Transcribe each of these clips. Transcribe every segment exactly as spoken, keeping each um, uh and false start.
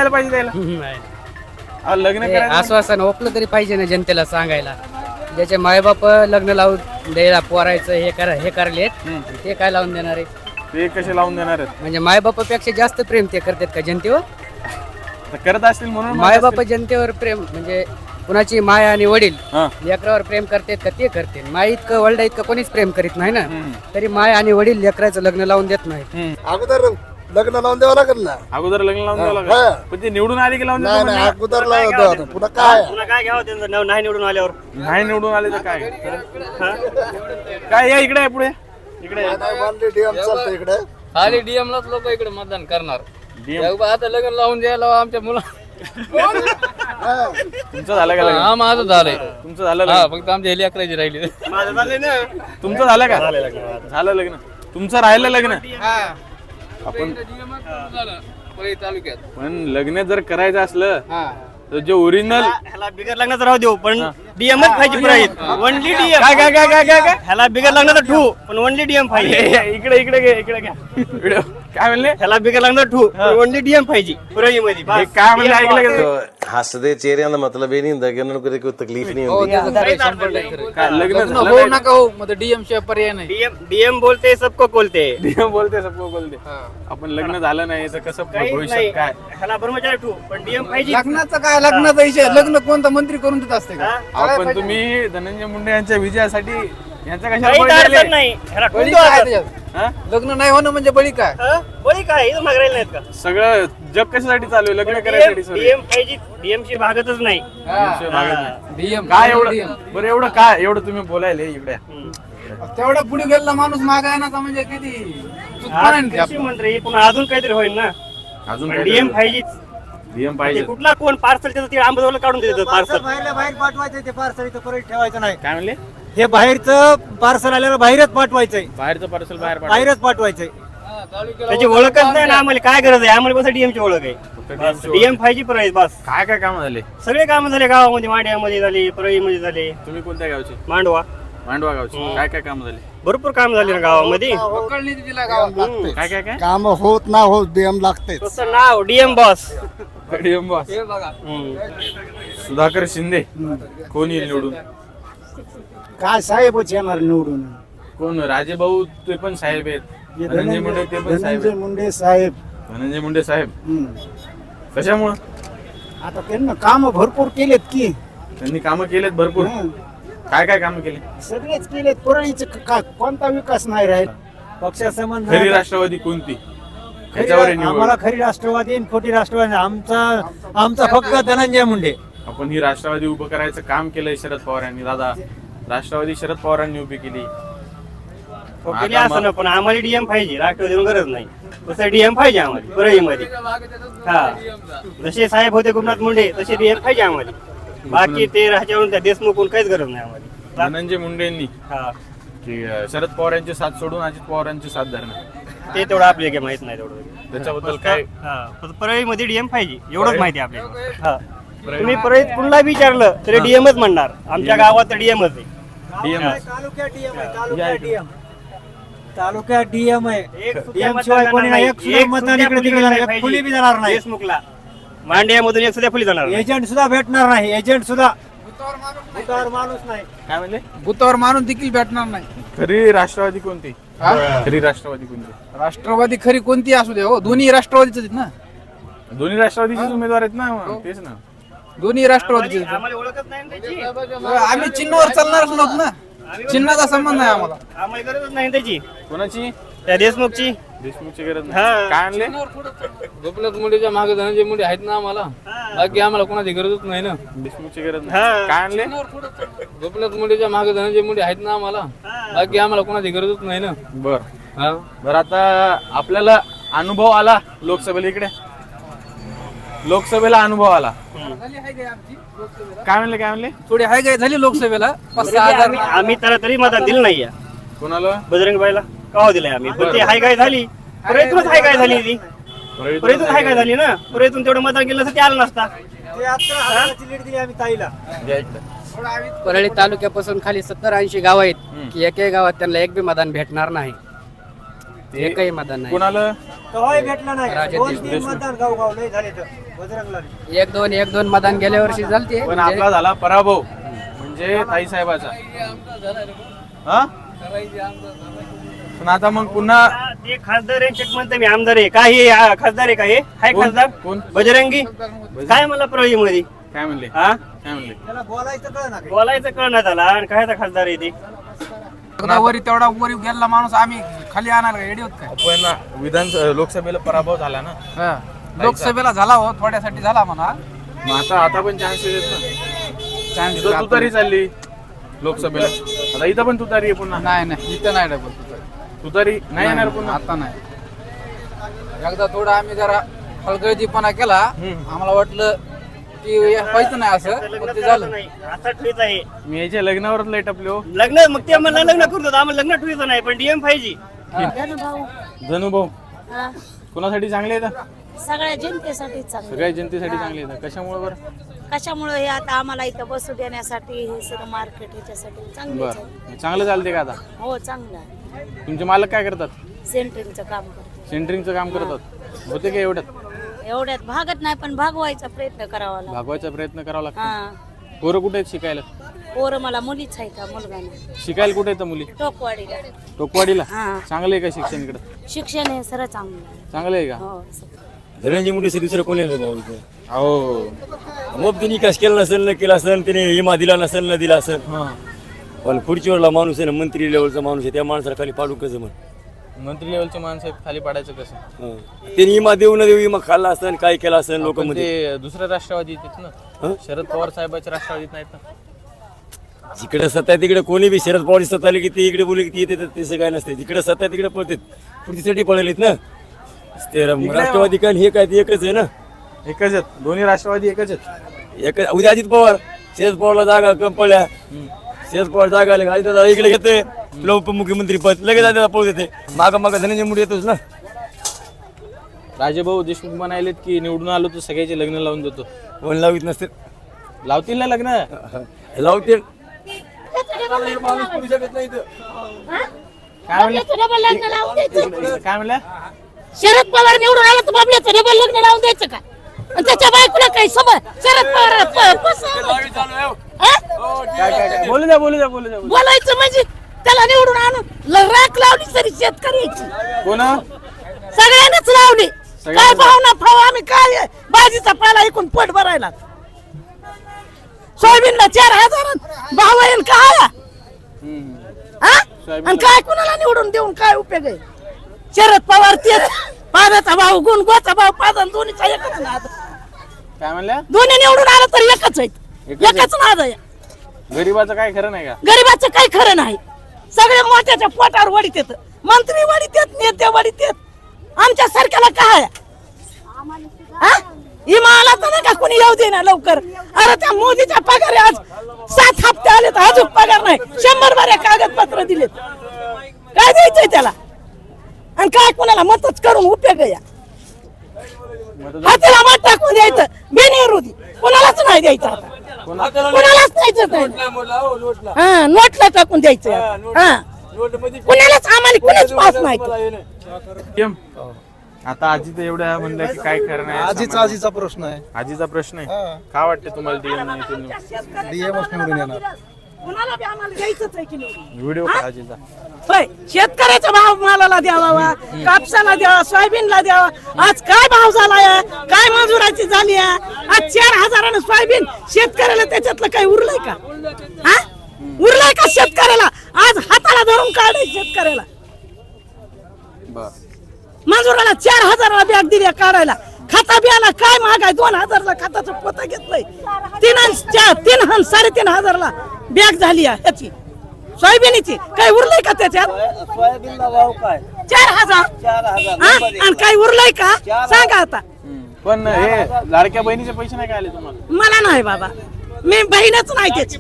द्यायला पाहिजे त्याला अहो, लग्न करायचं आश्वासन ओपलं तरी पाहिजे ना जनतेला सांगायला. ज्याचे मायबाप लग्न लावून द्यायला पोरायचं हे करा हे करलेत ते काय लावून देणार आहे? ते कसे लावून देणार आहेत? म्हणजे मायबापापेक्षा जास्त प्रेम ते करतात का जनतेवर? तर करत असतील म्हणून मायबाप जनतेवर प्रेम म्हणजे कुणाची माय आणि वडील हा. लेकरावर प्रेम करतात का ते करते. माय इतकं वडील इतकं कोणीच प्रेम करीत नाही ना. तरी माय आणि वडील लेकराचं लग्न लावून देत नाही. हम्म. अगोदर लग्न लावून द्यावं लागेल ना. अगोदर लग्न लावून द्यावं हा. लागेल पण ते निवडून आले की लावून नाही देतो नाही म्हणणार? अगोदर लावून द्यावं. पुन्हा काय पुन्हा काय घ्यावं त्यांचं नाव नाही निवडून आल्यावर. नाही निवडून आले तर काय काय या इकडे आहे पुढे इकडे या. नाही मानली डीएम चालतं इकडे. खाली डीएम लाच लोक इकडे मतदान करणार. D M. आता लग्न लावून द्यायला आमच्या मुला तुमचं झालं का लग्न? हा माझं झालंय. तुमचं झालं हा लग्न? फक्त आमच्या हेली अकराची राहिली. माझं झालंय ना. तुमचं झालं का झालं लग्न? तुमचं राहिलं लग्न? आपण तालुक्यात पण लग्न जर करायचं असलं तर जे ओरिजिनल ह्याला बिगर लग्नाचं राहू देऊ पण डीएमच पाहिजे प्राईज. Only DM. काय काय काय काय काय काय ह्याला बिगर लग्नाचं ठू पण ओनली डीएम पाहिजे. इकडे इकडे घे इकडे घ्या व्हिडिओ काय म्हणले ह्याला बिगर लग्नाचं ठू पण ओनली डीएम पाहिजे पुराई मध्ये. हे काय म्हणले ऐकलं का? हसदे चेहरे का मतलब ये नहीं होता कि उन्होंने कोई कोई तकलीफ नहीं होती. काय लग्न लग्न झालं होऊ नाही? नका हो मग डीएम शिवाय पर्याय नाही. डीएम डीएम बोलते सबको बोलते. डीएम बोलते सबको बोलते. आपण लग्न झालं नाही तर कसं काहीच भविष्यात नाही. काय ह्याला ब्रह्मचारी ठू पण डीएम पाहिजे. लग्नाचं काय लग्नाचा विषय लग्न कोणता मंत्री करून देत असते का? आपण तुम्ही धनंजय मुंडे यांच्या विजयासाठी यांच्या कशाला काही बळी अडचण दिले? नाही. ह्याला बळी ठुंदो काय आता. त्याच्यात? हा? लग्न नाही होणं म्हणजे बळी काय? हा? बळी काय इथं मागायला नाहीत का? सगळं जग कशासाठी चालू आहे? लग्न करायसाठी सगळं. डीएम पाहिजे. डीएम ची भागतच नाही. विषय भागत नाही. डीएम काय एवढं बरं एवढं काय एवढं तुम्ही बोलायले इकडे तेवढा पुढे गेलेला माणूस मागाय ना म्हणजे किती चूक हा, करेन ते कृषी आपण. मंत्री पुन्हा अजून काहीतरी होईल ना. अजून डीएम पाहिजे. डीएम पाहिजे कुठला कोण पार्सल त्याचं ते आंबोला काढून देतात पार्सल. बाहेरला बाहेर पाठवायचं ते पार्सल इथं परत ठेवायचं नाही. काय म्हणले? हे बाहेरचं पार्सल आल्यावर बाहेरच पाठवायचंय. बाहेरचं पार्सल बाहेर पाठवा. बाहेरच पाठवायचंय. त्याची ओळखच नाही ना आम्हाला. काय गरज आहे आम्हाला? बस डीएम ची ओळख आहे. D M ची डीएम पाहिजे परळी बस. काय काय काम झाले? सगळे काम झाले गावामध्ये. मांड्यामध्ये झाले, परळीमध्ये झाले, तुम्ही कोणत्या गावचे? मांडवा. मांडवा गावचे. काय काय काम झाले? भरपूर काम झाले ना गावामध्ये. पकडली तिला गावात. काय काय काय काम होत ना होत डीएम लागतेच. तसं नाव DM boss. DM boss Sudhakar Shinde कोण येईल निवडून? काय साहेबच येणार निवडून. कोण? राजे भाऊ ते पण साहेब आहेत. धनंजय मुंडे ते पण साहेब धनंजय आहेत. मुंडे साहेब. धनंजय मुंडे साहेब हम्म. कशामुळं? आता त्यांना काम भरपूर केलेत की. त्यांनी कामं केलेत भरपूर. हं. काय काय कामं केली? सगळेच केलेत. परळीचे क- का- कोणता विकास नाही राहील. पक्षासंबंध खरी राष्ट्रवादी कोणती? ह्याच्यावर आहे निवड. आम्हाला खरी राष्ट्रवादी आणि खोटी राष्ट्रवादी. आमचा आमचा फक्त धनंजय मुंडे. आपण ही राष्ट्रवादी उभं करायचं काम केलंय शरद पवार यांनी. दादा राष्ट्रवादी शरद पवारांनी उभी केली. केली असं ना पण आम्हाला डीएम पाहिजे. राष्ट्रवादी गरज नाही. तसं डीएम पाहिजे आम्हाला परळीमध्ये. हा जसे साहेब होते गोपीनाथ मुंडे तसे डीएम पाहिजे आम्हाला. बाकी ते ह्याच्यावरून त्या देशमुखून काहीच गरज नाही आम्हाला. धनंजय मुंडे यांनी हा की अं, शरद पवार यांची साथ सोडून अजित पवार यांची साथ धरणं ते तेवढं आपल्याला काही माहित नाही तेवढं. त्याच्याबद्दल काय? हा फक्त परळीमध्ये डीएम पाहिजे एवढंच माहिती आहे आपल्याला. हा तुम्ही परळीत कुणाला विचारलं तरी डीएमच म्हणणार. आमच्या गावात तर डीएमच आहे. डीएम तालुक्यात डीएम आहे. तालुक्यात डीएम. तालुक्यात डीएम आहे. एक सुद्धा डीएम मतदान शिवाय कोणी नाही. नाही. एक सुद्धा एक मतदान सुद्धा इकडे फुली तिकडे नाही नाही. पाहिजे. फुली बी जाणार नाही. देशमुखला मांड्यामधून एक सुद्धा फुली जाणार नाही. एजंट सुद्धा भेटणार नाही. एजंट सुद्धा बुतावर माणूस नाही. काय म्हणले? बुथावर माणूस देखील भेटणार नाही. खरी राष्ट्रवादी कोणती? खरी राष्ट्रवादी कोणती? राष्ट्रवादी खरी कोणती असू दे हो दोन्ही राष्ट्रवादीच आहेत ना. दोन्ही राष्ट्रवादीचे उमेदवार आहेत ना. तेच ना. दोन्ही राष्ट्रवादीचे आहेत. आम्हाला ओळखच नाही ना त्याची. आम्ही चिन्हावर चालणारच नव्हत ना. चिन्हाचा संबंध नाही आम्हाला. आम्हाला गरजच नाही त्याची. कोणाची? त्या देशमुखची. देशमुखची गरज हा. नाही. काय आणले? गोपीनाथ मुंडेच्या मागे धनंजय मुंडे आहेत ना आम्हाला. बाकी आम्हाला कोणाची गरजच नाही ना. देशमुखची गरज हा. नाही. काय आणले? गोपीनाथ मुंडेच्या मागे धनंजय मुंडे आहेत ना आम्हाला. बाकी आम्हाला कोणाची गरजच नाही ना. बर बर आता आपल्याला अनुभव आला लोकसभेला. इकडे लोकसभेला अनुभव आला. काय म्हणले? काय म्हणले? थोडी हाय काय झाली लोकसभेला. पाच सहा हजार आम्ही आम्ही त्याला तरी मतदान दिलं नाही. कोणाला? बजरंग बाईला कवा दिलंय आम्ही. पण ते हाय काय झाली. परळीतूनच हाय काय झाली ती. परळीतून हाय काय झाली ना. परळीतून तेवढं मतदान केलं असतं ते आलं नसता. ते आता हाताची लीड दिली आम्ही ताईला. परळी तालुक्यापासून खाली सत्तर ऐंशी गाव आहेत की एकही गावात त्यांना एक बी मतदान भेटणार नाही. एकही मतदान नाही. कोणाला? कवाही भेटला नाही. राजा दोन देशमुख. तीन मतदान गाव गाव नाही झाले तर एक दोन एक दोन मतदान गेल्या वर्षी झालते पण म्हणजे आपला झाला पराभव म्हणजे ताई साहेबाचा हा पण आता मग पुन्हा ते खासदार आहे चेक म्हणतो मी आमदार आहे काय हे आ, खासदार आहे का हे हाय कोण? खासदार कोण? बजरंगी काय मला परळी मध्ये काय म्हणले हा काय म्हणले बोलायचं कळण्यात आला आणि काय खासदार आहे ते वरी तेवढा वरी गेला माणूस आम्ही खाली आणणार का येडी काय पण विधान लोकसभेला पराभव झाला ना हा. लोकसभेला झाला हो थोड्यासाठी झाला म्हणा मग आता आता पण चान्सेस आहेत ना इथं तुतारी चालली लोकसभेला आता इथं पण तुतारी आहे पुन्हा नाही नाही इथं नाही डबल तुतारी नाही येणार पुन्हा आता नाही एकदा थोडं आम्ही जरा हलगर्जीपणा केला आम्हाला वाटलं की व्हायचं नाही असं पण ते झालं नाही असं ठेवायचं आहे मी याच्या लग्नावरच लय टपले हो लग्न मग ते मला लग्न करतो आम्हाला लग्न ठेवायचं नाही पण डीएम पाहिजे जणू भाऊ हा, कोणासाठी चांगले आहेत सगळ्या जनतेसाठी चांगलं सगळ्या जनतेसाठी चांगले आहेत कशामुळे बरं कशामुळे हे आता आम्हाला इथं बसू देण्यासाठी हे सगळं मार्केट ह्याच्यासाठी चांगलं बरं चांगलं चालते का आता हो चांगलं आहे तुमचे मालक काय करतात सेंटरिंगचं काम करतो सेंटरिंगचं काम करतात होते का एवढ्यात एवढ्यात भागत नाही पण भागवायचा प्रयत्न करावा लागतो भागवायचा प्रयत्न करावा लागतो हा पोरं कुठे आहेत शिकायला पोरं मला मुलीच आहे का मुलगा नाही शिकायला कुठे येतं मुली टोकवाडीला टोकवाडीला हा. चांगलं आहे का शिक्षण इकडं शिक्षण हे सर चांगलं आहे. चांगलं आहे का हो धनंजय मुंडे दुसरं कोणी नाही भाऊ इथं. हो मग त्यांनी विकास केला नसेल न केला असेल त्याने विमा दिला नसेल न दिला असेल हां पण खुर्चीवरला माणूस आहे ना मंत्री लेवलचा माणूस आहे त्या माणसाला खाली पाडू कसं म्हण मंत्री लेवलचे माणसं आहेत, खाली पाडायचं कसं हं. त्यांनी विमा देऊ न देऊ विमा खाल्ला असेल काय केला असेल लोक पण मध्ये ते दुसऱ्या राष्ट्रवादीत आहेत ना हं? शरद पवार साहेबाच्या राष्ट्रवादीत नाहीत ना जिकडे सत्ता आहे तिकडे कोणी बी शरद पवार सत्ता आली की ते इकडे बोलले की ते येते तसं काय नसते जिकडे सत्ता आहे तिकडे पळतात पुढच्यासाठी पळलेत ना ते राष्ट्रवादी काय हे काय ते एकच आहे ना एकच आहेत दोन्ही राष्ट्रवादी एकच आहेत एक उद्या अजित पवार शरद पवारला जागा कम पडल्या शरद पवार जागा आले अजित दादा इकडे घेते तुला उपमुख्यमंत्री पद लगेच दादा पळू देते माग माग धनंजय मुंडे येतोच ना राजेभाऊ देशमुख म्हणालेत की निवडून आलो तर सगळ्याचे लग्न लावून देतो कोण लावित नसते लावतील ना लग्न लावते काय म्हणलं काय म्हणलं शरद पवार निवडून आला तर बाबल्याचं डबल लग्न लावून द्यायचं का आणि त्याच्या बायकोला काही समज शरद पवार प- पसंत- हा? काय काय काय बोलू द्या बोलू द्या बोलू द्या बोलू द्या. बोलायचं म्हणजे त्याला निवडून आणून ल- राख लावली तरी शेतकऱ्याची कोण सगळ्यांनाच लावली काय भावना भाव आम्ही काय भाजीचा पाला ऐकून पोट भरायला सोयाबीनला चार हजार भाव आहे आणि काय हम्म. हा? सोयाबीनला- आणि काय कुणाला निवडून देऊन काय उपयोग आहे शरद पवार तेच पाण्याचा भाव गुण गोचा भाव पाजन दोन्हीचा एकच नाद काय म्हणल्या दोन्ही निवडून आलं तर एकच आहेत एकच आहे. एकच नाद आहे गरीबाचं काय खरं नाही का गरीबाचं काही खरं नाही सगळे मोठ्याच्या पोटावर वडीत येत मंत्री वडीत येत नेते वडीत येत आमच्या सारख्याला काय हा? इमा आला तर नाही का कोणी येऊ दे ना लवकर अरे त्या मोदीच्या पगार आज सात हप्ते आले तर अजून पगार नाही शंभर बाऱ्या कागदपत्र दिलेत काय द्यायचंय त्याला आणि काय कोणाला मतच करून उपयोग आहे या हाताला मत टाकून द्यायचं बेनिवृत्ती कोणालाच नाही द्यायचं आता कोणालाच द्यायचं नाही हा नोटला टाकून द्यायचं हा कोणालाच आम्हाला कोणीच पास नाही केम? आता आजी तर एवढ्या म्हणल्या की काय खरं नाही आजीचा आजीचा प्रश्न आहे आजीचा प्रश्न आहे काय वाटतं तुम्हाला डीएम नाही ते निवडून? डीएमच निवडून येणार कोणाला बी आम्हाला द्यायचंच आहे की नाही व्हिडिओ का आजीचा होय शेतकऱ्याचा भाव मालाला द्यावा कापसाला द्यावा सोयाबीनला द्यावा आज काय भाव झालाय काय मजुराची झाली आहे आज चार हजारानं सोयाबीन शेतकऱ्याला त्याच्यातलं काही उरलंय का हा उरलंय का शेतकऱ्याला आज हाताला धरून काढाय शेतकऱ्याला बर मजुराला चार हजाराला बॅग दिली काढायला खाता बियाला काय महागाय दोन हजारला खताचं पोतं घेतलंय तीन अन चार तीन हन साडेतीन हजारला बॅग झाली आहे ह्याची सोयाबीनची काय उरलंय का त्याच्यात सोयाबीनला भाव काय चार हजार चार हजार हा? आणि काय उरलंय का सांगा आता पण हे लाडक्या बहिणीचे पैसे नाही काय आले तुम्हाला मला नाही बाबा मी बहीणच नाही त्याची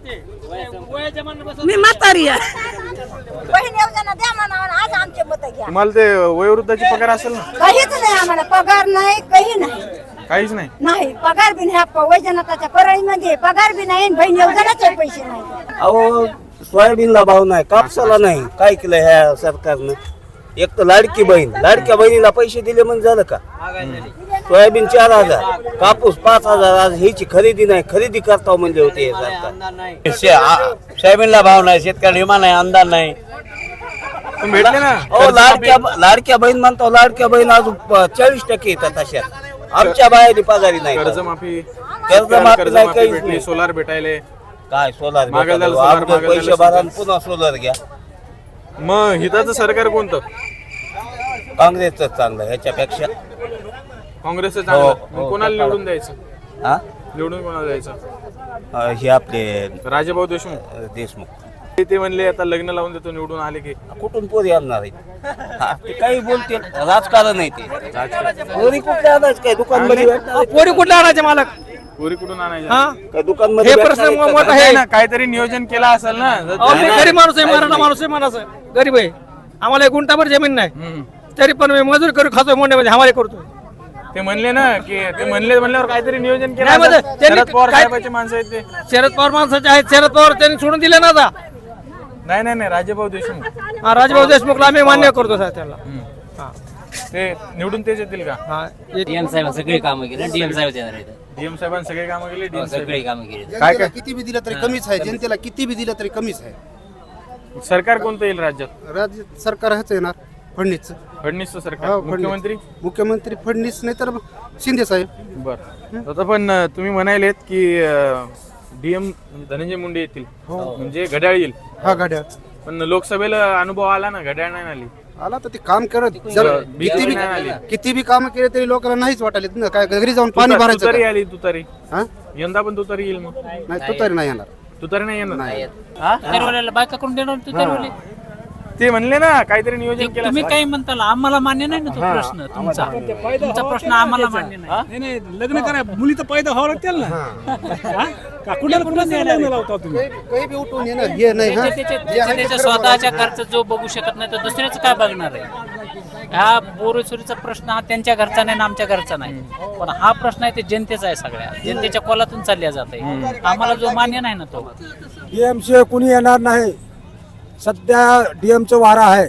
मी म्हातारी आहे बहीण योजना द्या म्हणा आज आमचे मत घ्या तुम्हाला ते वयोवृद्धाची पगार असेल ना काहीच नाही आम्हाला पगार नाही काही नाही काहीच नाही नाही पगार बी नाही वैजनाथाच्या परळीमध्ये पगार बी नाही आणि बहीण योजनाचे पैसे नाही अहो सोयाबीनला भाव नाही कापसाला नाही काय केलं ह्या सरकारनं एक तर लाडकी बहीण, लाडक्या बहिणीला पैसे दिले म्हणजे झालं का? सोयाबीन चार हजार, कापूस पाच हजार, आज ह्याची खरेदी नाही, खरेदी करता म्हणजे होते सोयाबीनला भाव नाही, शेतकऱ्याला विमा नाही, अंदाज नाही. पण भेटले ना हो, लाडक्या लाडक्या बहीण म्हणतो, लाडक्या बहीण अजून चाळीस टक्के येतात अशा. आमच्या बाहेर पगारी नाही, कर्जमाफी कर्जमाफी कर्जमाफी नाही, काहीच भेटली, नाही. सोलार भेटायले. काय सोलार मागायला भेटायला? सोलार, अगोदर मागायला पैसे सोलार. भरा आणि पुन्हा सोलार घ्या. मग हिताचं सरकार कोणतं? काँग्रेसच चांगलं ह्याच्यापेक्षा. काँग्रेसचं हो, चांगलं. हो, मग कोणाला हो. निवडून द्यायचं? हा निवडून कोणाला द्यायचं? अं, हे आपले राजेभाऊ देशमुख. अं, देशमुख ते- ते म्हणले आता लग्न लावून देतो निवडून आले की. कुठून पोरी आणणार आहेत? हा, ते काही बोलते, राजकारण आहे ते. पोरी कुठे आणायचं? काय दुकान मध्ये पोरी कुठल्या आणायचे मालक? पुरी कुठून आणायचं? काय दुकान मध्ये हे प्रश्न मोठा आहे ना, काहीतरी नियोजन केला असेल ना. जर अहो, मी गरीब माणूस आहे, मराठा माणूस आहे, माणूस आहे, गरीब आहे. आम्हाला एक गुंठाभर जमीन नाही, हम्म. तरी पण मी मजुरी करू खातोय मोंड्यामध्ये, हमारे करतोय. ते म्हणले ना की ते म्हणले म्हणल्यावर काहीतरी नियोजन केलं नाही, म्हणजे असेल. त्यांनी शरद पवार काय- साहेबाचे माणसं आहेत ते. शरद पवार माणसाचे आहेत, शरद पवार त्यांनी सोडून दिले ना आता. नाही नाही नाही राजेभाऊ देशमुख. हा, राजभाऊ देशमुखला आम्ही मान्य करतो साहेब त्याला. हा. ते निवडून तेच येतील का? हा, डीएम साहेब सगळी कामं केली डीएम साहेब येणार आहेत. डीएम साहेबांनी सगळे कामं केली. डीएम सगळी कामं केली. काय काय किती बी दिलं तरी कमीच आहे, जनतेला किती बी दिलं तरी कमीच आहे. सरकार कोणतं येईल राज्यात? राज्य सरकार ह्याच येणार, फडणीस. फडणवीसचं सरकार. हो, फडणीस. मुख्यमंत्री मुख्यमंत्री फडणीस नाही तर शिंदे साहेब. बर. आता पण अं, तुम्ही म्हणालेत की डीएम धनंजय मुंडे येतील, म्हणजे घड्याळ येईल. हा गाड्या पण लोकसभेला अनुभव आला ना, घड्याळ नाही आली. आला तर ते काम करत जर बी- किती बी नाही आली. किती बी काम केले तरी लोकांना नाहीच वाटायला ना, काय घरी जाऊन पाणी तुतारी भरायचं तुतारी का? आली तुतारी. हा? यंदा पण तुतारी येईल. मग नाही तो तरी नाही येणार. तुतारी नाही येणार. नाही. हा? बायका करून देणार तुतारवाले. ते म्हणले ना काहीतरी नियोजन केलं तुम्ही असेल. काही म्हणता आम्हाला मान्य नाही ना तो प्रश्न तुमचा तुमचा प्रश्न आम्हाला मान्य नाही. नाही लग्न करा, मुली तर पैदा व्हावं लागतील ना. कुणाला कुणाला लग्न लावता तुम्ही? काही- काही बी उठून येणार हे नाही. हा? त्याच्या- जे आहे ते त्याच्या खरं स्वतःच्या घरचा जो बघू शकत नाही तो दुसऱ्याच काय बघणार आहे? हा बोरेसुरीचा प्रश्न हा त्यांच्या घरचा नाही ना आमच्या घरचा नाही, पण हा प्रश्न आहे ते जनतेचा आहे, सगळ्या जनतेच्या कोलातून चालल्या जात आहे. आम्हाला जो मान्य नाही ना तो. डीएमसी कुणी येणार नाही. सध्या डीएमचं वारा आहे.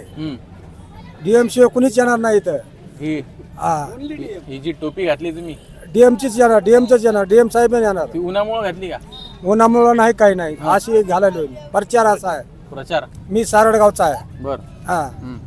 डीएमसी कुणीच येणार नाही इथं. ही हा, ही जी टोपी घातली तुम्ही डीएमचीच येणार, डीएमचंच येणार, डीएम साहेब येणार. ती उन्हामुळे घातली का? उन्हामुळं नाही, काही नाही, अशी घालायला प्रचार असा आहे. प्रचार. मी सारडगावचा आहे. बर. हा,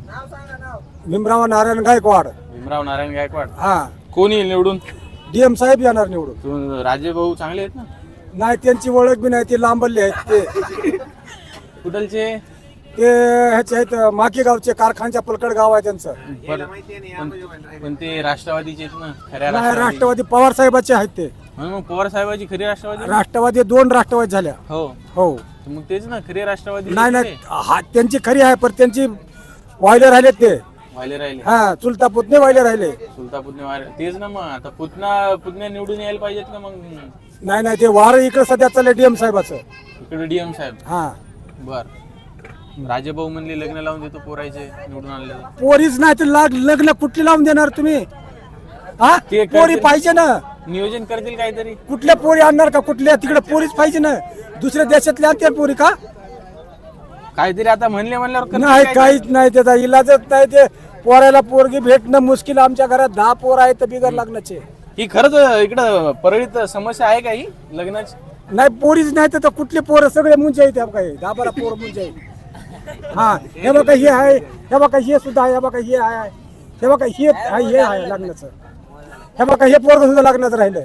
भीमराव नारायण गायकवाड. भीमराव नारायण गायकवाड. हा, कोण येईल निवडून? डीएम साहेब येणार निवडून. तू- राजेभाऊ चांगले आहेत ना? नाही, त्यांची ओळख बी नाही, ते लांबले आहेत. ते कुठलचे? ते ह्याचे आहेत, माकी गावचे, कारखानच्या पलकड गाव आहे त्यांचं. पण पण ते राष्ट्रवादीचे आहेत ना, खऱ्या नाही, राष्ट्रवादी. राष्ट्रवादी पवार साहेबाचे आहेत ते. म्हणून मग पवार साहेबाची खरी राष्ट्रवादी. राष्ट्रवादी दोन राष्ट्रवादी झाल्या. हो हो, मग तेच ना खरी राष्ट्रवादी. नाही नाही, हा त्यांची खरी आहे, पण त्यांची वायले राहिले ते. व्हायला राहिले. हा, चुलता पुतणे वायले राहिले. सुलता पुतणे वार तेच ना. मग आता पुतना पुतण्या निवडून यायला पाहिजेत ना. मग नाही नाही, ते वार इकडे सध्या चाललंय डीएम साहेबाचं. इकडे डीएम साहेब. हा, बर. राजेभाऊ म्हणले लग्न लावून देतो पोरायचे निवडून आणले. पोरीच नाही तर लाग लग्न कुठली लावून देणार तुम्ही? हा, ते पोरी करतील. पाहिजे ना. नियोजन करतील काहीतरी. कुठल्या पोरी आणणार का? कुठल्या तिकडे पोरीच पाहिजे ना. दुसऱ्या देशातल्या आणतील पोरी का? काहीतरी आता म्हणले म्हणल्यावर करतील नाही, काहीतरी. काहीच नाही, त्याचा इलाजच नाही. ते पोराला पोरगी भेटणं मुश्किल. आमच्या घरात दहा पोर आहेत तर बिगर लग्नाचे. ही खरंच इकडं परळीत समस्या आहे का ही लग्नाची? नाही, पोरीच नाही तर कुठले पोरं सगळे मुंजे आहेत. काय दहा बारा पोरं मुंजे आहेत. हा, हे बघा हे आहे, हे बघा हे सुद्धा आहे, हे बघा हे आहे, हे बघा हे आहे, हे आहे लग्नाचं. हे बघा हे पोरग सुद्धा लग्नाचं राहिलंय.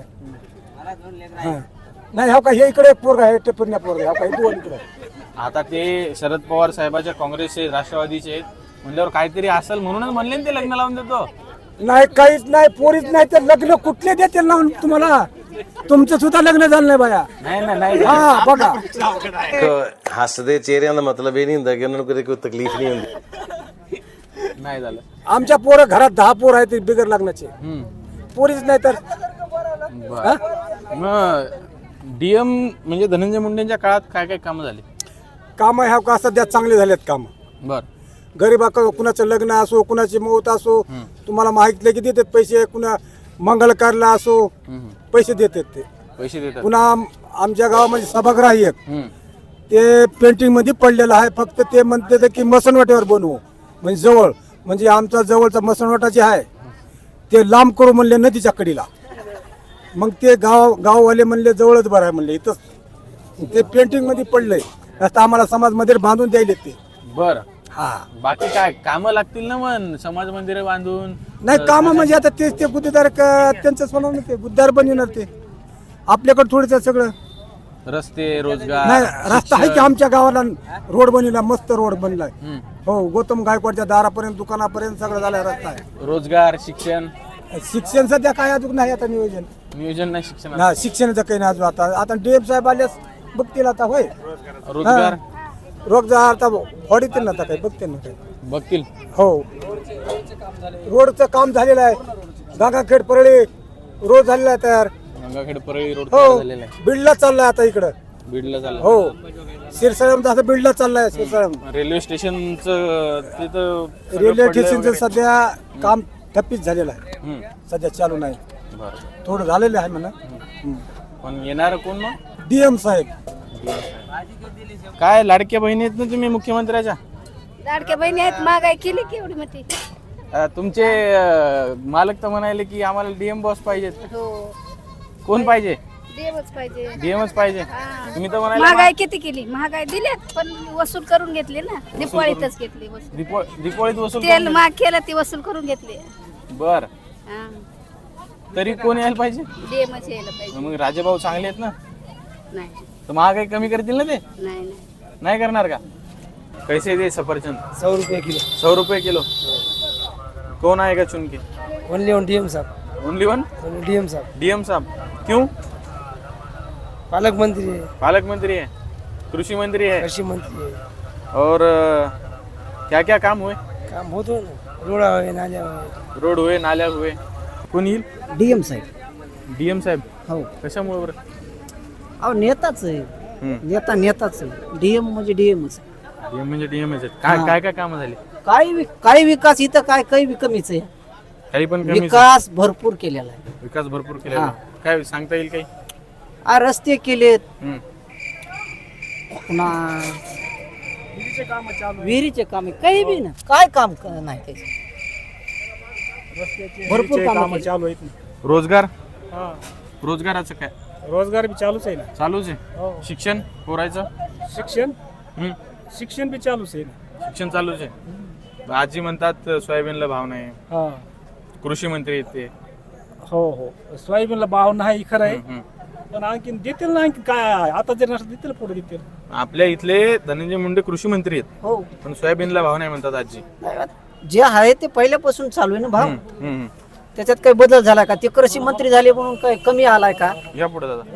हा, नाही, हे बघा हे इकडे एक पोरग आहे, टेपण्या पोरग आहे, हे बघा हे दोन इकडे. आता ते शरद पवार साहेबाच्या काँग्रेसचे राष्ट्रवादीचे आहेत म्हणल्यावर काहीतरी असेल म्हणूनच म्हणले ना ते लग्न लावून देतो. नाही, काहीच नाही, पोरीच नाही तर लग्न कुठले देतील ना तुम्हाला? तुमचं सुद्धा लग्न झालं नाही बाया. ਨਹੀਂ ਨਾ ਨਹੀਂ ਹਾਂ ਬਗਾ ਹੱਸਦੇ ਚਿਹਰਿਆਂ ਦਾ ਮਤਲਬ ਇਹ ਨਹੀਂ ਹੁੰਦਾ ਕਿ ਉਹਨਾਂ ਨੂੰ ਕਦੇ ਕੋਈ ਤਕਲੀਫ ਨਹੀਂ ਹੁੰਦੀ नाही झालं. आमच्या पोरं घरात दहा पोर आहेत बिगर लग्नाचे. पोरीच नाही तर मग डीएम म्हणजे धनंजय मुंडेंच्या काळात काय काय कामं झाली? काम ह्या का सध्या चांगले झालेत काम. बर. गरीबा कुणाचं लग्न असो, कुणाची मौत असो, तुम्हाला माहिती की देतात पैसे. कुणा मंगल कार्याला असो पैसे देतात ते. पैसे देतात. पुन्हा आम- आमच्या गावामध्ये सभागृह आहे एक, हम्म. ते पेंटिंग मध्ये पडलेलं आहे. फक्त ते म्हणते की मसनवाट्यावर बनवू म्हणजे जवळ, म्हणजे आमचा जवळचा मसणवटा जे आहे ते लांब करू म्हणले नदीच्या कडीला. मग ते गाव गाववाले म्हणले जवळच बरं आहे म्हणले इथंच ते पेंटिंग मध्ये पडलंय आता आम्हाला समाज मंदिर बांधून द्यायले ते. बर हा बाकी काय कामं लागतील ना मग समाज मंदिर बांधून. नाही काम म्हणजे आता तेच ते गुत्तेदार क- त्यांचंच बनवणार ते गुत्तेदार बनवणार ते आपल्याकडे थोडंसं सगळं. रस्ते रोजगार नाही रस्ता आहे की आमच्या गावाला रोड बनवला मस्त रोड बनलाय. हम्म. हो गौतम गायकवाडच्या दारापर्यंत दुकानापर्यंत सगळं झालाय रस्ता आहे. रोजगार शिक्षण शिक्षण सध्या काय अजून नाही आता नियोजन नियोजन नाही शिक्षण ना शिक्षणाचं काही नाही अजून आता आता डीएम साहेब आल्यास बघतील आता होय रोजगार रोजगार आता वाढीतील ना आता काही बघतील ना काही बघतील. हो रोडचं काम झालेलं आहे गागाखेड परळी रोड झालेला आहे तयार. गंगाखेड परळी रोड हो झालेला आहे बीडला चाललाय आता इकडं. बीडला चाललं. हो शिरसाळम असं बीडला चाललाय शिरसाळम. रेल्वे स्टेशनचं तिथं सगळं रेल्वे पडलंय स्टेशनचं वगैरे. सध्या काम ठप्पीच झालेलं आहे हम्म. सध्या चालू नाही बरं. थोडं झालेलं आहे म्हणा. पण येणार कोण मग डीएम साहेब काय लाडक्या बहिणी आहेत ना तुम्ही मुख्यमंत्र्याच्या. लाडक्या बहिणी आहेत महागाई केली की एवढी मोठी. अं, तुमचे अं, मालक तर म्हणाले की आम्हाला डीएम बॉस पाहिजेत. हो कोण पाहिजे. देवच पाहिजे. डीएमच पाहिजे. तुम्ही तर म्हणाले महागाई किती केली महागाई दिल्यात पण वसूल करून घेतली ना दिपाळीतच घेतली वसूल. दीपो- दीपावळीत वसूल तेल करून महाग केलं ती वसूल करून घेतली. दे. बर तरी कोण यायला पाहिजे. देमच यायला पाहिजे. मग राजेभाऊ चांगले आहेत ना नाही तर महागाई कमी करतील ना ते. नाही नाही नाही करणार का. कैसे दे सफरचंद. सौ रुपये किलो सौ रुपये किलो. कौन आएगा चुन के. ओनली ऑन डीएम साहब ओनली वन डीएम साहब डीएम साहब. क्यों. पालक मंत्री है पालक मंत्री है कृषि मंत्री है कृषि मंत्री है और क्या क्या काम हुए. काम होतो रोड हुए नाल्या हुए रोड हुए नाल्या हुए. कोण येईल. डीएम साहेब डीएम साहेब. हो कशामुळे बरं. अहो नेताच आहे हम्म. नेता नेताच आहे डीएम म्हणजे डीएमच. डीएम म्हणजे डीएम आहेत. काय काय काय कामं झाली. काही वि- काही विकास इथं काय काही वि- कमीच आहे काही पण कमी. विकास भरपूर केलेला आहे. विकास भरपूर केलेला. काय सांगता येईल काही. आ रस्ते केलेत हम्म. पुन्हा विहिरीचे काम आहे काही बी ना काय काम क- नाही त्याचं. भरपूर काम चालू आहेत रोजगार. रोजगाराचं काय. रोजगार बी चालूच आहे ना. चालूच आहे. शिक्षण पोरायचं. शिक्षण हम्म. शिक्षण बी चालूच आहे ना. शिक्षण चालूच आहे. आजी म्हणतात सोयाबीनला भाव नाही. हा कृषी मंत्री आहेत ते. हो हो सोयाबीनला भाव नाही खरं आहे हम्म. पण आणखीन देतील ना आणखी काय आता जर नसतं देतील पुढे देतील. आपल्या इथले धनंजय मुंडे कृषी मंत्री आहेत हो पण सोयाबीनला भाव नाही म्हणतात आजी. जे आहे ते पहिल्यापासून चालू आहे ना भाव. हम्म, हम्म. त्याच्यात काही बदल झाला का ते कृषी मंत्री झाले म्हणून काय कमी आलाय का. या पुढे दादा.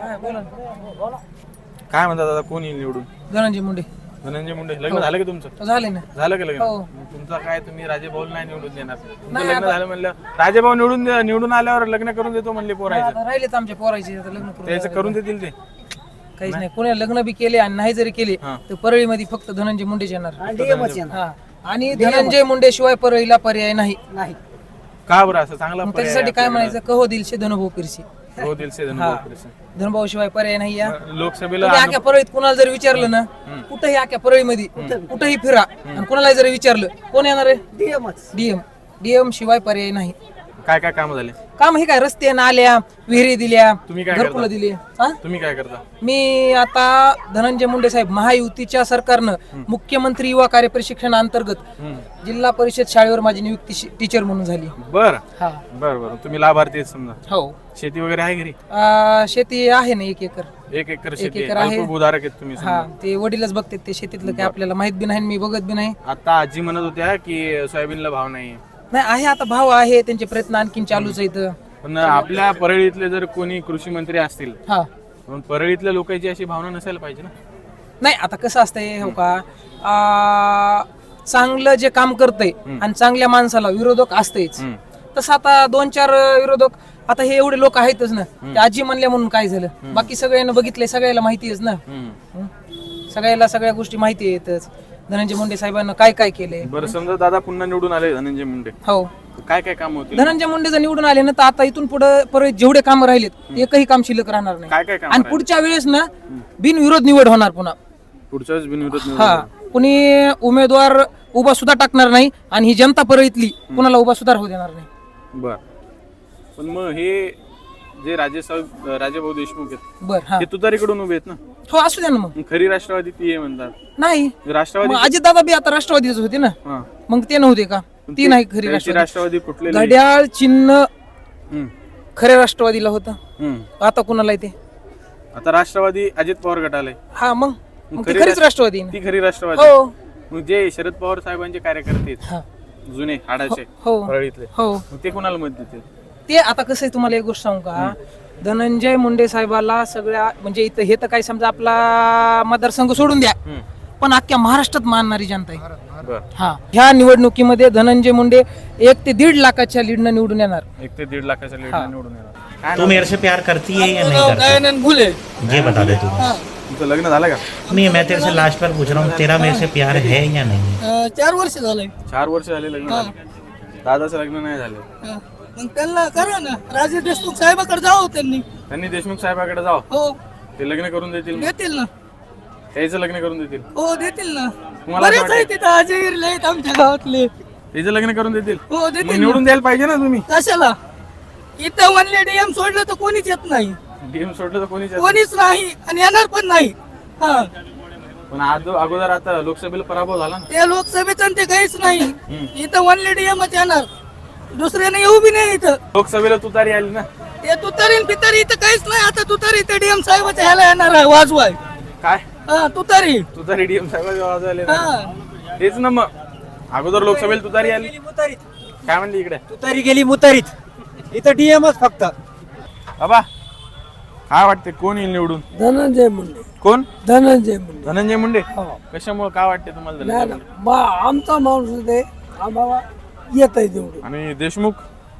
काय म्हणतात दादा कोण येईल निवडून. धनंजय मुंडे धनंजय मुंडे. लग्न झालं का तुमचं. झाले ना. झालं का लग्न. तुमचं काय तुम्ही राजेभाऊ नाही निवडून देणार. तुमचं लग्न झालं म्हणलं राजेभाऊ निवडून दे- निवडून आल्यावर लग्न करून देतो म्हणले पोरायचं. राहिलेत आमच्या पोरायचे आता लग्न करून त्याचं करून देतील ते. काहीच नाही कोणी लग्न बी केले आणि नाही जरी केले हा. तर परळीमध्ये फक्त धनंजय मुंडेच येणार. डीएमच येणार. हा आणि धनंजय मुंडे शिवाय परळीला पर्याय नाही. नाही का बरं असं चांगला मग पर्याय त्याच्यासाठी काय आपल्याकडे. म्हणायचं कहो दिलशे धनुभाऊ पिरशी. हो दिल से हा. धन्यवाद कृष्ण. धनुभाऊ शिवाय पर्याय नाही. या लोकसभेला तुम्ही आख्या परळीत कुणाला जर विचारलं ना कुठेही आख्या परळीमध्ये कुठेही फिरा आणि कुणाला जर विचारलं कोण येणार आहे डीएमच. डीएम. डीएम शिवाय पर्याय नाही. काय काय काम झाले. काम हे काय रस्ते नाल्या विहिरी दिल्या तुम्ही काय घरकुलं करता? दिली. हा? तुम्ही काय करता. मी आता धनंजय मुंडे साहेब महायुतीच्या सरकारनं मुख्यमंत्री युवा कार्य प्रशिक्षण अंतर्गत जिल्हा परिषद शाळेवर माझी नियुक्ती शि- टीचर म्हणून झाली. बर हा बर बर तुम्ही लाभार्थी आहेत समजा. हो शेती वगैरे आहे घरी. आ, शेती आहे ना एक एकर. एक एकर शेती एकर आहे. आहे. अल्पभूधारक आहेत तुम्ही हा समजा. ते वडीलच बघतात ते शेतीतलं काय आपल्याला माहित बी नाही आणि मी बघत बी नाही. आता आजी म्हणत होत्या की सोयाबीनला भाव नाही. नाही आहे आता भाव आहे त्यांचे प्रयत्न आणखीन चालूच आहेत. पण आपल्या परळीतले जर कोणी कृषी मंत्री असतील हा पण परळीतल्या लोकांची अशी भावना नसायला पाहिजे ना. नाही आता कसं असतंय हो का आ, चांगलं जे काम करतंय आणि चांगल्या माणसाला विरोधक असतेच. हम्म. तसं आता दोन चार विरोधक आता हे एवढे लोक आहेतच ना. ते आजी म्हणल्या म्हणून काय झालं बाकी सगळ्यांना बघितलंय सगळ्याला माहिती आहेच ना. हम्म. हं? सगळ्याला सगळ्या गोष्टी माहिती आहेतच. धनंजय मुंडे साहेबांना काय काय केलंय. बरं समजा दादा पुन्हा निवडून आले धनंजय मुंडे हो काय काय काम होतील. धनंजय मुंडे जर निवडून आले ना तर आता इथून पुढे परत जेवढे कामं राहिलेत एकही काम शिल्लक राहणार नाही. काय काय काम आणि पुढच्या वेळेस ना बिनविरोध निवड होणार पुन्हा. पुढच्या वेळेस बिनविरोध निवडून हा कुणी उमेदवार उभा सुद्धा टाकणार नाही आणि ही जनता परळीतली कुणाला उभा सुद्धा होऊ देणार नाही. बर पण मग हे जे राजेसाहेब राजेभाऊ देशमुख आहेत बर हा ते तुतारीकडून उभे आहेत ना. हो असू द्या ना मग. मग खरी राष्ट्रवादी ती आहे म्हणतात. नाही राष्ट्रवादी अजित दादा बी आता राष्ट्रवादीच होते ना. हा. मग ते नव्हते का? पण ती ते- नाही खरी त्याची राष्ट्रवादी. राष्ट्रवादी कुठले घड्याळ चिन्ह हम्म. खऱ्या राष्ट्रवादीला होतं. हम्म. आता कुणाला येते? आता राष्ट्रवादी अजित पवार गटाला आहे. हा मग मग ती खरी खरीच राष्ट्र- राष्ट्रवादी आहे. ती खरी राष्ट्रवादी. हो मग जे शरद पवार साहेबांचे कार्यकर्ते हा. आहेत जुने हाडाचे हो परळीतले हो मग ते कुणाला मत देतील? ते आता कसं आहे तुम्हाला एक गोष्ट सांगू का? धनंजय मुंडे साहेबाला सगळ्या म्हणजे इथं हे तर काही समजा आपला मतदारसंघ सोडून द्या हम्म. पण अख्ख्या महाराष्ट्रात मानणारी जनता आहे. बर हा ह्या निवडणुकीमध्ये धनंजय मुंडे एक ते दीड लाखाच्या लीडनं निवडून येणार. एक ते दीड लाखाच्या लीड हा. निवडून येणार. काय तू नाव? मेरे से प्यार करती है या नहीं करती? दयानंद भुले. ये बता दे तू. तुमचं लग्न झालं का? नहीं, मैं तेरे से लास्ट बार पूछ रहा हूँ, तेरा मेरे से प्यार है या नहीं? चार वर्ष झालंय. चार वर्ष झाले लग्न झालं. दादाचं लग्न नाही झालं. मग त्यांना करा ना. राजे देशमुख साहेबाकडे जावं त्यांनी. त्यांनी देशमुख साहेबाकडे जाव हो ते लग्न करून देतील मग? देतील ना. त्याचं लग्न करून देतील. हो देतील ना. तुम्हाला असं बरेच आहेत तिथं अजय आहेत आमच्या गावातले. त्याचं लग्न करून देतील. हो मग देतील ना. निवडून द्यायला पाहिजे ना तुम्ही. कशाला? इथं म्हणले डीएम सोडलं तर कोणीच येत नाही. डीएम सोडलं तर कोणीच येत कोणीच नाही आणि येणार पण नाही. हा नाही. पण आज अगोदर आता लोकसभेला पराभव झाला ना. त्या लोकसभेचं ते काहीच नाही. इथं वनले डीएमच येणार. दुसऱ्याने येऊ बी नाही इथं. लोकसभेला तुतारी आली ना. ते तुतारी पितारी इथं काहीच नाही. आता तुतारी इथं डीएम साहेबाच्या ह्याला येणार आहे वाजवाय. काय हा तुतारी. तुतारी डीएम साहेबांच्या आवाज आले हा ना. तेच ना मग अगोदर लोकसभेला तुतारी आली. काय म्हणली इकडे? तुतारी गेली मुतारीत इथं डीएमच फक्त. बाबा काय वाटते कोण येईल निवडून? धनंजय मुंडे. कोण? धनंजय मुंडे. धनंजय मुंडे. कशामुळे काय वाटते तुम्हाला धनंजय मुंडे? आमचा माणूस ते आम्हाला येत आहे निवडून. आणि देशमुख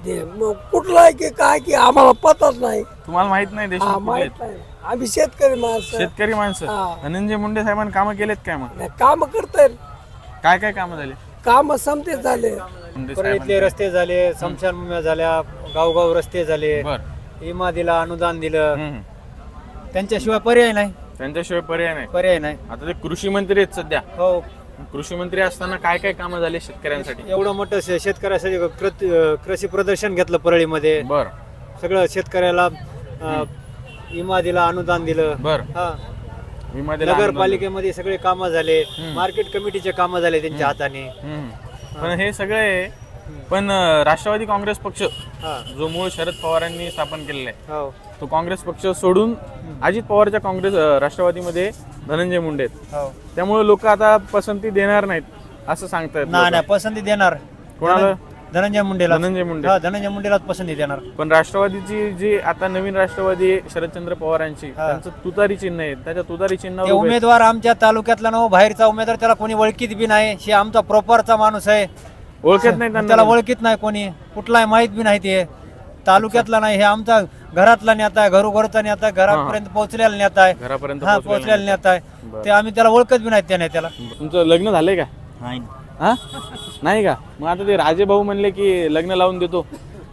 कुठला आहे की काय की आम्हाला पताच नाही. तुम्हाला माहित नाही देशमुख कुठले आहेत? आम्ही शेतकरी माणसं शेतकरी माणसं. हा. धनंजय मुंडे साहेबांनी कामं केलेत काय मग? काम करताय. काय काय कामं झाले काम समते झाले. मुंडे परळीतले साहेबांनी? रस्ते झाले, समशान झाल्या, गावगाव रस्ते झाले, बर. इमा दिला, अनुदान दिलं. हम्म. त्यांच्याशिवाय पर्याय नाही. त्यांच्याशिवाय पर्याय नाही. पर्याय नाही. आता ते कृषी मंत्री आहेत सध्या. हो कृषी मंत्री असताना काय काय कामं झाले शेतकऱ्यांसाठी? एवढं मोठं शे- शेतकऱ्यासाठी कृत- अं, कृषी प्रदर्शन घेतलं परळीमध्ये. बर सगळं शेतकऱ्याला अं, इमा दिला, अनुदान दिलं. बर. हा विमा दिला, नगरपालिकेमध्ये सगळे कामं झाले, मार्केट कमिटीचे कामं झाले त्यांच्या हाताने. हम्म. पण हे सगळे पण अं, राष्ट्रवादी काँग्रेस पक्ष हा जो मूळ शरद पवारांनी स्थापन केलेला आहे हो तो काँग्रेस पक्ष सोडून अजित पवारच्या काँग्रेस अं, राष्ट्रवादीमध्ये धनंजय मुंडे आहेत. हो त्यामुळे लोक आता पसंती देणार नाहीत असं सांगतायत नाही लोकं. नाही पसंती देणार. कोणाला? धनंजय मुंडेला. धनंजय मुंडे. हा धनंजय मुंडेलाच पसंती देणार. पण राष्ट्रवादीची जी आता नवीन राष्ट्रवादी आहे शरदचंद्र पवारांची हा. त्यांचं तुतारी चिन्ह आहे. त्याच्या तुतारी ते चिन्ह उमेदवार आमच्या तालुक्यातला ना बाहेरचा उमेदवार त्याला कोणी ओळखीत बी नाही. हे आमचा प्रॉपरचा माणूस आहे. ओळखत नाही त्याला त्यांना. ओळखीत नाही कोणी. कुठलाही माहित बी नाही. ते तालुक्यातला नाही. हे आमचा घरातला नेता आहे. घरोघरचा नेता आहे. घरापर्यंत पोहोचलेला नेता आहे. घरापर्यंत हा पोहोचलेला पोहोचलेला नेता आहे. बरं. ते आम्ही त्याला ओळखत बी नाही त्या नेत्याला. तुमचं लग्न झालंय का? नाही हा नाही का? मग आता ते राजे भाऊ म्हणले की लग्न लावून देतो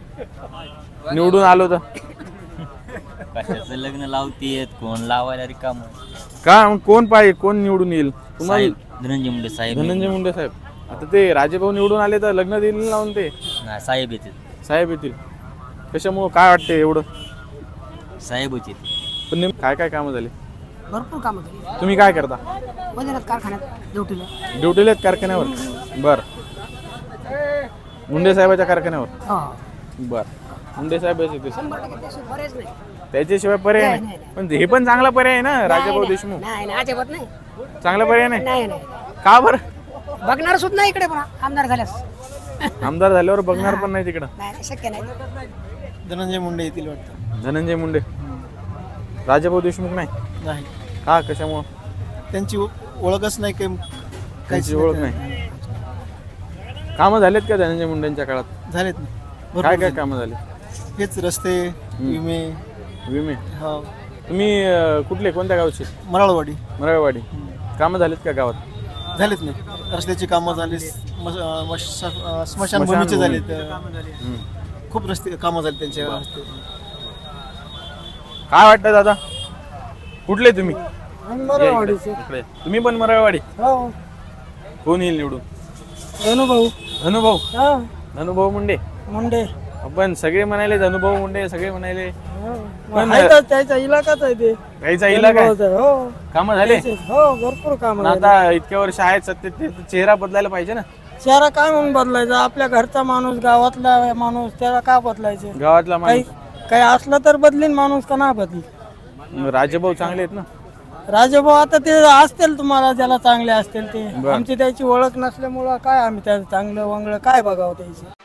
निवडून आलो तर. कशाचं लग्न लावतीयत कोण लावायला रिकाम. का मग कोण पाहिजे कोण निवडून येईल तुम्हाला? साहेब धनंजय मुंडे साहेब. धनंजय मुंडे साहेब. आता ते राजे भाऊ निवडून आले तर लग्न देईल ना लावून ते नाही साहेब येतील. साहेब येतील. कशामुळं काय वाटते एवढं? साहेब येतील. पण नेमकं काय काय कामं झाली? भरपूर काम केली. तुम्ही काय करता? वजनात कारखान्यात ड्युटीला. ड्युटीला आहेत कारखान्यावर. बर. मुंडे साहेबाच्या कारखान्यावर. हा बर. मुंडे साहेब येतील. शंभर टक्के त्याशिवाय बरेच नाही. त्याच्याशिवाय पर्याय नाही, नाही. नाही, पण हे पण चांगला पर्याय आहे ना राजाभाऊ देशमुख. नाही नाही अजिबात नाही. चांगला पर्याय नाही. नाही नाही का बरं? बघणार सुद्धा नाही इकडे पण आमदार झाल्यास. आमदार झाल्यावर बघणार पण नाही तिकडं. नाही नाही, शक्य नाही. धनंजय मुंडे येतील वाटतं. धनंजय मुंडे. राजाभाऊ देशमुख नाही नाही का? कशामुळं? त्यांची ओळखच नाही. काही त्यांची ओळख नाही. कामं झालेत का धनंजय मुंडेंच्या काळात? झालेत. काय काय कामं झाले? हेच रस्ते, विमे. विमे. हो तुम्ही अं, कुठले कोणत्या गावचे? मराळवाडी. मराळवाडी. कामं झालेत का गावात? झालेत नाही. रस्त्याची कामं झाली, स्मशानभूमीचे झालेत. हम्म. खूप रस्ते कामं झाली त्यांच्या रस्ते. काय वाटतं दादा कुठले तुम्ही? या इकडे. इकडे. तुम्ही पण मराळवाडी. कोण येईल निवडून? धनुभाऊ धनुभाऊ हा धनुभाऊ मुंडे मुंडे आपण सगळे म्हणाले धनुभाऊ मुंडे सगळे म्हणाले पण आहे तर त्याचा इलाकाच आहे ते काहीचा इलाका आहे. धनुभाऊचा, हो कामं झाले हो भरपूर काम पण आता इतक्या वर्ष आहेत सत्तेत ते चेहरा बदलायला पाहिजे ना. चेहरा काय म्हणून बदलायचा आपल्या घरचा माणूस गावातला माणूस त्याला का बदलायचं गावातला काही माणूस काही असलं तर बदलीन माणूस का नाही बदली राजभाऊ चांगले आहेत ना. राजभाऊ आता ते असतील तुम्हाला ज्याला चांगले असतील ते बरं. आमची त्याची ओळख नसल्यामुळं काय आम्ही त्याचं चांगलं वंगलं काय बघावं त्याची